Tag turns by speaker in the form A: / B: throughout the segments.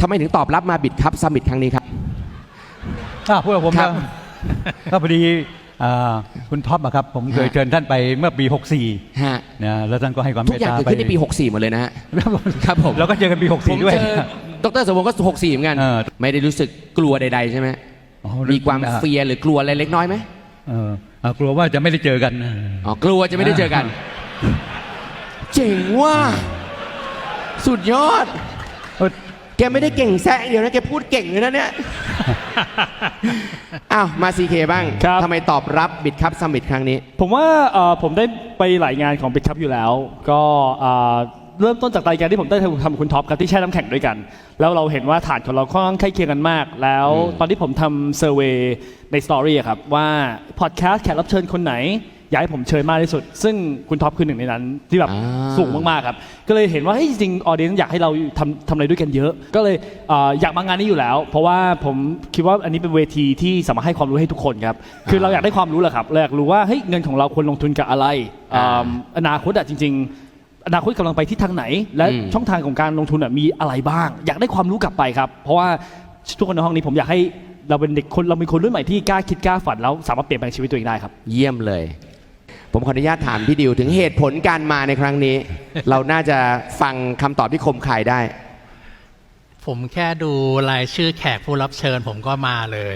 A: ทำไมถึงตอบรับมาบิดครับซัมมิตครั้งนี้ครับ
B: พูดกับผมก็พอดีคุณท็อปครับผมเคยเชิญท่านไปเมื่อปี64นะแล้วท่านก็ให้ความเมตตาไปทุก
A: อย่างเกิดขึ้นในปี64หมดเลยนะฮะครับผม
B: แล้วก็เจอกันปี64ด้วย
A: ดร.สมพงศ์ก็64เหมือนกันไม่ได้รู้สึกกลัวใดๆใช่ไหมมีความเฟียร์หรือกลัวอะไรเล็กน้อยไหม
B: กลัวว่าจะไม่ได้เจอกัน
A: กลัวจะไม่ได้เจอกันเจ๋งว่ะสุดยอดแกไม่ได้เก่งแซะเดียวนะแกพูดเก่งเลยนะเนี่ยอ้าวมา CK บ้างทำไมตอบรับบิดคัพซัมมิตครั้งนี้
C: ผมว่าผมได้ไปหลายงานของบิดคัพอยู่แล้วก็เริ่มต้นจากรายการที่ผมได้ทำคุณท็อปครับที่แช่น้ำแข็งด้วยกันแล้วเราเห็นว่าฐานของเราค่อนข้างใกล้เคียงกันมากแล้วตอนที่ผมทำเซอร์เวย์ในสตอรี่ครับว่าพอดแคสต์แขกรับเชิญคนไหนอยากให้ผมเชิญมากที่สุดซึ่งคุณท็อปคือหนึ่งในนั้นที่แบบสูงมากๆครับก็เลยเห็นว่าจริงๆออเดียนอยากให้เราทำอะไรด้วยกันเยอะก็เลยอยากมางานนี้อยู่แล้วเพราะว่าผมคิดว่าอันนี้เป็นเวทีที่สามารถให้ความรู้ให้ทุกคนครับคือเราอยากได้ความรู้แหละครับเราอยากรู้ว่าเฮ้ยเงินของเราควรลงทุนกับอะไรอนาคตจริงๆอนาคตกำลังไปที่ทางไหนและช่องทางของการลงทุนมีอะไรบ้างอยากได้ความรู้กลับไปครับเพราะว่าทุกคนในห้องนี้ผมอยากให้เราเป็นเด็กคนเราเป็นคนรุ่นใหม่ที่กล้าคิดกล้าฝันแล้วสามารถเปลี่ยนแปลงชีวิตตัวเองได้ครับ
A: เยี่ยมเลยผมขออนุญาตถามพี่ดิวถึงเหตุผลการมาในครั้งนี้ เราน่าจะฟังคำตอบที่คมคายได้
D: ผมแค่ดูรายชื่อแขกผู้รับเชิญผมก็มาเลย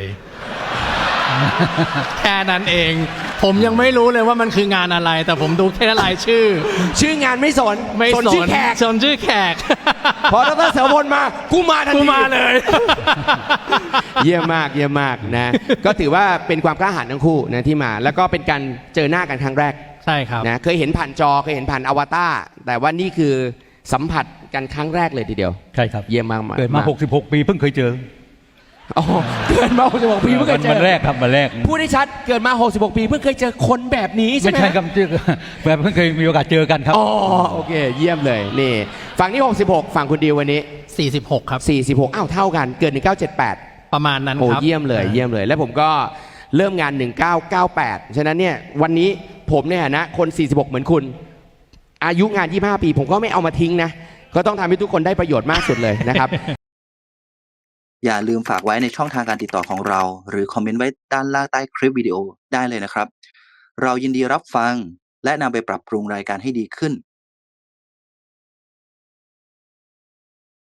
D: แค่นั้นเองผมยังไม่รู้เลยว่ามันคืองานอะไรแต่ผมดูแค่รายชื่อง
A: านไม่สนชื่อแขก
D: ชื่อแขก
A: พอดร.เสรพลมากูมาทันที
D: กูมาเลย
A: เยี่ยมมากนะก็ถือว่าเป็นความกล้าหาญทั้งคู่นะที่มาแล้วก็เป็นการเจอหน้ากันครั้งแรก
D: ใช่ครับ
A: นะเคยเห็นผ่านจอเคยเห็นผ่านอวตารแต่ว่านี่คือสัมผัสกันครั้งแรกเลยทีเดียว
B: ใช่ครับ
A: เยี่ยมมาก
B: เกิดมา66ปีเพิ่งเคยเจอ
A: เกิดมา66ปีเพิ่งเคยเจอ
B: วันแรกครับวันแรก
A: พูดได้ชัดเกิดมา66ปีเพิ่งเคยเจอคนแบบนี้ใช่ไหม
B: ไม่ใช่ครับแบบเพิ่งเคยมีโอกาสเจอกันครับ
A: โอเคเยี่ยมเลยนี่ฝั่งนี้66ฝั่งคุณดิววันนี้
D: 46ครับ
A: 46อ้าวเท่ากันเกิด1978
D: ประมาณนั้นครับ
A: เยี่ยมเลยและผมก็เริ่มงาน1998ฉะนั้นเนี่ยวันนี้ผมเนี่ยนะคน46เหมือนคุณอายุงาน25ปีผมก็ไม่เอามาทิ้งนะก็ต้องทำให้ทุกคนได้ประโยชน์มากสุดเลยนะครับ
E: อย่าลืมฝากไว้ในช่องทางการติดต่อของเราหรือคอมเมนต์ไว้ด้านล่างใต้คลิปวิดีโอได้เลยนะครับเรายินดีรับฟังและนำไปปรับปรุงรายการให้ดีขึ้น